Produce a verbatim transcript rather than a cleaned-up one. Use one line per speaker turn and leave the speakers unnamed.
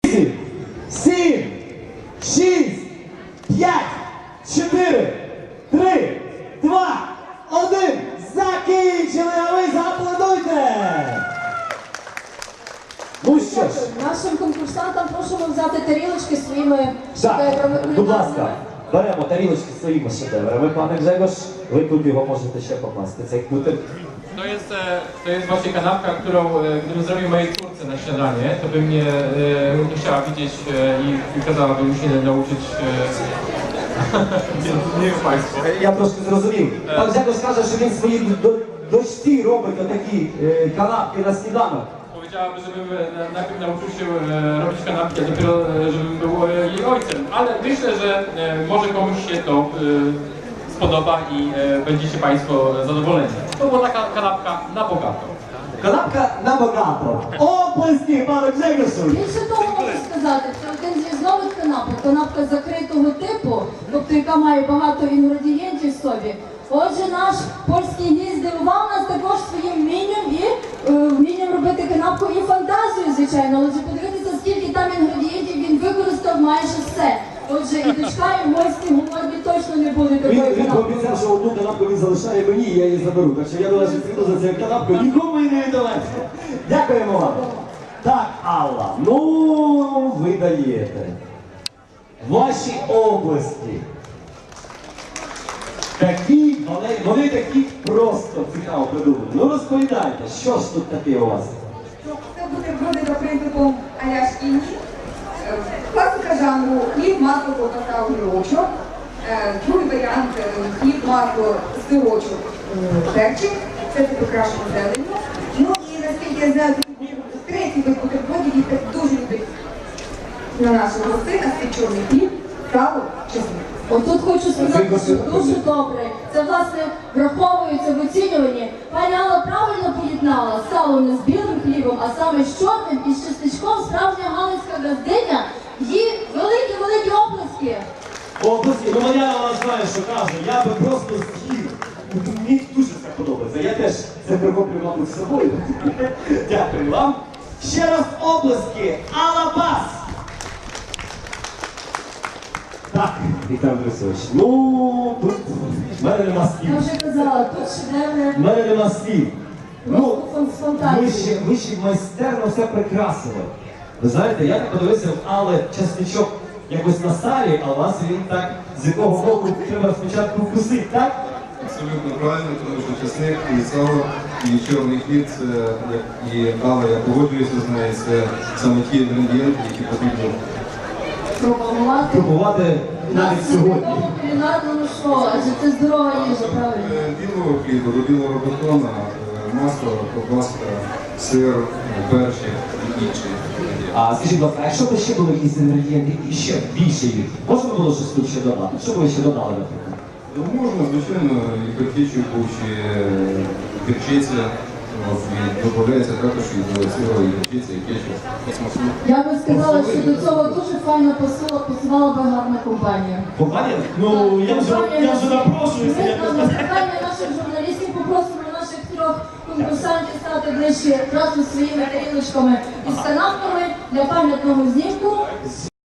сім, шість, п'ять, чотири, три, два, один. Закінчили, а ви зааплодуйте! Ну що ж.
Нашим конкурсантам просимо взяти тарілочки своїми
Так,
шедеврами.
будь ласка, беремо тарілочки своїми шедеврами, пане Grzegorz. Ви тут його можете ще poкласти, цей knuter.
To jest, e, to jest właśnie kanapka, którą e, gdybym zrobił mojej córce na śniadanie, to by mnie e, nie chciała widzieć e, i kazałaby mi się nauczyć, e, więc niech Państwo.
Я трошки зрозумів. Пан Grzegorz каже, що він своїй до- дочці робить отакі е, канапки на сніданок.
Powiedziałaby, żebym e, najpierw nauczył się e, robić kanapki, a dopiero e, żebym był e, jej ojcem. Ale myślę, że e, może komuś się to e, spodoba i e, będziecie Państwo zadowoleni. To była taka kanapka na bogato.
Канапка на багато. Оплески, пане Grzegorzu!
Більше того можу сказати, це один з різновид канапок. Канапка закритого типу, тобто яка має багато інгредієнтів в собі. Отже, наш польський гість здивував нас також своїм вмінням і е, вмінням робити канапку і фантазію, звичайно. Отже, подивитися, скільки там інгредієнтів він використав майже все. Отже, і дочка, і гості голодні точно не були
Він,
такої
він
канапки.
пообіцяв, що одну канапку він залишає мені, і я її заберу. Так що я до нашої прийду за цією канапкою, нікому і не віддалекся. Дякуємо вам. Так, Алла, ну ви даєте. Ваші області. Такі, вони, вони такі просто цікаво придумали. Ну розповідайте, що ж тут таке у вас?
Це бутерброди за принципом а-ля шкільні. Е, Класика жанру хліб, масло, ковбаса, огірочок. Е, Другий варіант е, хліб, масло, сирочок, м, перчик. Це це прикрашено зеленню. Ну і наскільки я знаю, третій вид бутербродів, їх дуже любить на нашого гостина, це чорний хліб, сало, чесник.
Отут хочу сказати, що дуже добре. Це, власне, враховується в оцінюванні. Пані Алла правильно поєднала сало не з білим хлібом, а саме з чорним і з чесничком. Справжня галицька газдиня. Їй великі-великі оплески.
Області, ну моя вона знає, що каже, я би просто з'їв. Мені дуже це подобається. Я теж це прихоплю, мабуть, з собою. Дякую вам. Ще раз оплески. Алла Бас! Так, Віктор Борисович, ну, тут в мене нема слів.
Я вже казала, тут шедеври.
В мене нема слів. Ну,
Просто з фантазії.
ви ще, ви ще майстерно все прикрасили. Ви знаєте, я так подивився, але чесничок якось на салі, а у вас він так, з якого боку треба спочатку вкусити, так?
Абсолютно правильно, тому що чесник і сало, і чорний хліб, це, як і Алла, я погоджуюся з нею, це саме ті інгредієнти, які потрібно
Пропонувати
Пробувати навіть сьогодні.
на кулінарному шоу, адже це здорова їжа, правильно?
Е, білого хліба, до білого батона, е, масло, ковбаска, сир, е, перчик і інші інгредієнти.
А скажіть, будь ласка, а якщо б ще були якісь інгредієнти і ще більше їх, можна було щось тут ще додати? Що б ви ще додали, наприклад?
Ну, можна, звичайно, і картічку, чи гірчиця, от, і додається також і до цього і гірчиця, і кетчуп. По смаку.
Я би сказала, що до цього дуже файно пасувала, пасувала би гарна компанія.
Компанія? Ну, я вже, я вже напрошуюся.
Ми
я
на запитання наших журналістів попросимо наших трьох конкурсантів стати ближче разом зі своїми тарілочками із канапками для пам'ятного знімку.